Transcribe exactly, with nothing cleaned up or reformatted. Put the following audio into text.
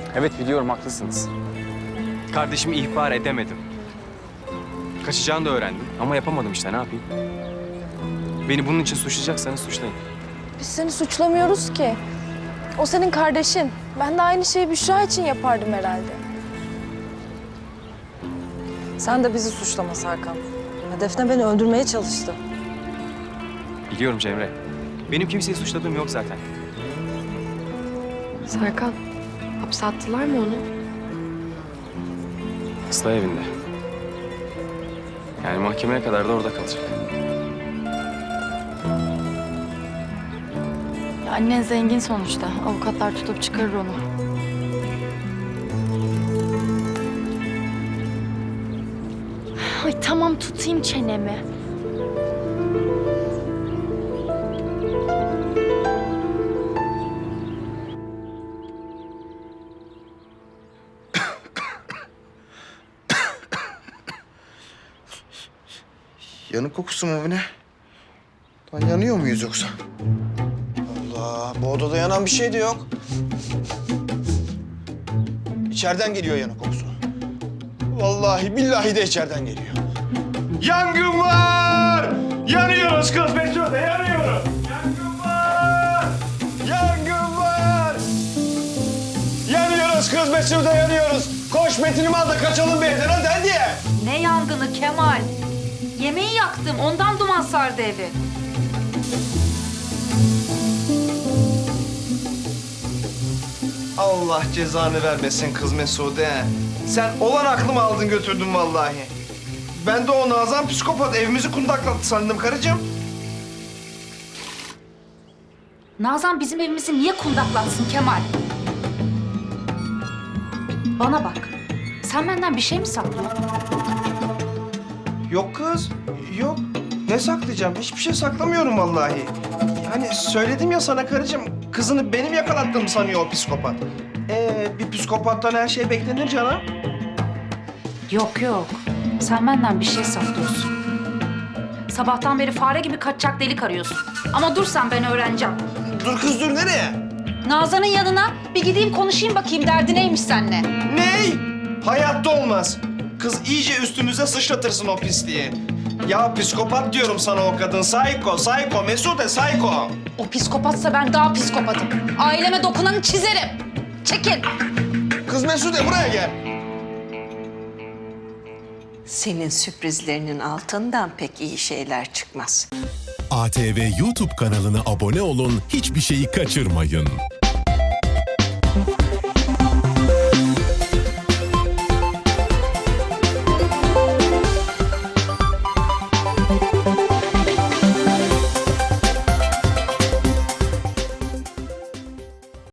Evet biliyorum, haklısınız. Kardeşimi ihbar edemedim. Kaçacağını da öğrendim ama yapamadım işte, ne yapayım? Beni bunun için suçlayacaksanız suçlayın. Biz seni suçlamıyoruz ki. O senin kardeşin. Ben de aynı şeyi Büşra için yapardım herhalde. Sen de bizi suçlama Serkan. Ya Defne beni öldürmeye çalıştı. Biliyorum Cemre. Benim kimseyi suçladığım yok zaten. Serkan, hapse attılar mı onu? Islah evinde. Yani mahkemeye kadar da orada kalacak. Ya annen zengin sonuçta. Avukatlar tutup çıkarır onu. Ay tamam, tutayım çenemi. Yanık kokusu mu bu ne? Lan yanıyor muyuz yoksa? Allah, bu odada yanan bir şey de yok. İçeriden geliyor yanık kokusu. Vallahi billahi de içeriden geliyor. Yangın var! Yanıyoruz kız Mesude, yanıyoruz! Yangın var! Yangın var! Yanıyoruz kız Mesude, yanıyoruz! Koş Metin'imi al da kaçalım bir evden, hadi hadi! Ne yangını Kemal? Yemeği yaktım, ondan duman sardı evi. Allah cezanı vermesin kız Mesude. Sen olan aklımı aldın götürdün vallahi. Ben de o Nazan psikopat evimizi kundaklattı sandım karıcığım. Nazan bizim evimizi niye kundaklatsın Kemal? Bana bak, sen benden bir şey mi saklıyorsun? Yok kız, yok. Ne saklayacağım? Hiçbir şey saklamıyorum vallahi. Yani söyledim ya sana karıcığım, kızını benim yakalattığımı sanıyor o psikopat. Ee, bir psikopattan her şey beklenir canım. Yok yok, sen benden bir şey saklıyorsun. Sabahtan beri fare gibi kaçacak delik arıyorsun. Ama dur sen, ben öğreneceğim. Dur kız dur, nereye? Nazan'ın yanına bir gideyim konuşayım bakayım derdi neymiş seninle. Ney? Hayatta olmaz. Kız iyice üstümüze sıçratırsın o pisliği. Ya psikopat diyorum sana o kadın. Psycho, psycho, Mesude psycho. O psikopatsa ben daha psikopatım. Aileme dokunanı çizerim. Çekil. Kız Mesude buraya gel. Senin sürprizlerinin altından pek iyi şeyler çıkmaz. A T V YouTube kanalına abone olun, hiçbir şeyi kaçırmayın.